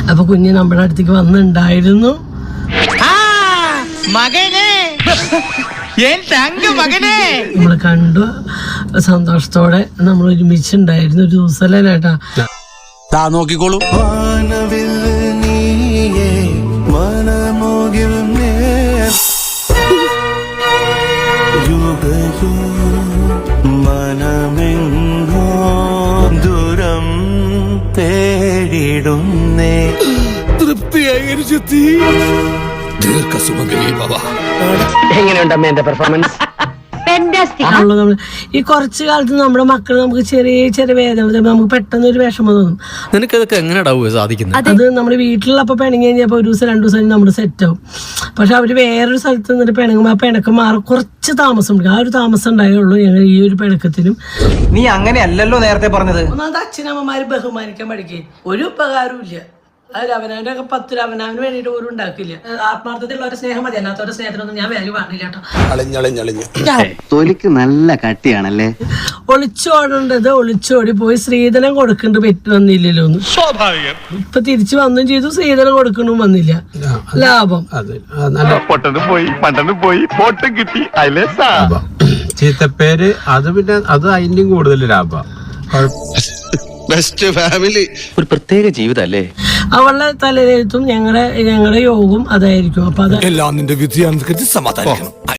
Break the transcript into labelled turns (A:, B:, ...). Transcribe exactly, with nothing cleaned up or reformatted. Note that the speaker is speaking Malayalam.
A: അപ്പൊ കുഞ്ഞ് നമ്മുടെ അടുത്തേക്ക് വന്നിട്ടുണ്ടായിരുന്നു. നമ്മള് കണ്ടു, സന്തോഷത്തോടെ നമ്മൾ ഒരുമിച്ചുണ്ടായിരുന്നു ഒരു ദിവസമല്ലേ ചേട്ടാ.
B: നോക്കിക്കോളൂ.
C: ദൂരം തേടിടുന്നേ
B: തൃപ്തിയായി ദീർഘസുമംഗലി ഭവ.
D: എങ്ങനെയുണ്ടമ്മ എന്റെ പെർഫോമൻസ്?
A: ഈ കുറച്ചു കാലത്ത് നമ്മുടെ മക്കൾ നമുക്ക് ചെറിയ ചെറിയ വേദന നമുക്ക് പെട്ടെന്ന് ഒരു വിഷമം തോന്നും.
B: നിനക്കതൊക്കെ എങ്ങനെയാ സാധിക്കുന്നത്?
A: അത് നമ്മുടെ വീട്ടിലപ്പോ പിണങ്ങി കഴിഞ്ഞപ്പോ ഒരു ദിവസം രണ്ടു ദിവസം നമ്മൾ സെറ്റ് ആവും. പക്ഷെ അവര് വേറൊരു സ്ഥലത്ത് നിന്നിട്ട് പിണങ്ങുമ്പോ ആ പിണക്കം മാറി കുറച്ച് താമസം ഉണ്ട്. ആ ഒരു താമസം ഉണ്ടായുള്ളൂ ഞങ്ങൾ ഈ ഒരു പിണക്കത്തിനും.
D: നീ അങ്ങനെയല്ലല്ലോ നേരത്തെ പറഞ്ഞത്.
A: ഒന്നാമത് അച്ഛനമ്മമാര് ബഹുമാനിക്കാൻ പഠിക്കേ. ഒരു ഉപകാരവും ഇല്ല. അത് അവനവന്റെ ഒക്കെ പത്ത് അവനവന് വേണ്ടിട്ട് പോലും ഉണ്ടാക്കില്ല. ആത്മാർത്ഥത്തിലുള്ള ഒരു സ്നേഹം മതി. അല്ലാത്ത സ്നേഹത്തിനൊന്നും ഞാൻ വാല്യൂ കാണില്ല കേട്ടോ.
E: തൊലിക്ക് നല്ല കട്ടിയാണല്ലേ.
A: ഒളിച്ചോടേണ്ടത് ഒളിച്ചോടി പോയി സ്ത്രീധനം കൊടുക്കേണ്ട പറ്റി വന്നില്ലല്ലോ ഒന്ന്. ഇപ്പൊ തിരിച്ചു വന്നും ചെയ്തു, സ്ത്രീധനം കൊടുക്കണും വന്നില്ല. ലാഭം
F: ചീത്തപ്പേര് അത് പിന്നെ അത് അതിന്റെയും കൂടുതൽ ലാഭം.
D: ഒരു പ്രത്യേക ജീവിതല്ലേ
A: അവളുടെ തലയിലെഴുത്തും ഞങ്ങളുടെ ഞങ്ങളുടെ യോഗവും അതായിരിക്കും. അപ്പൊ അത്
B: എല്ലാം നിന്റെ വിധിയാണെന്ന് സമാധാനിക്കണം.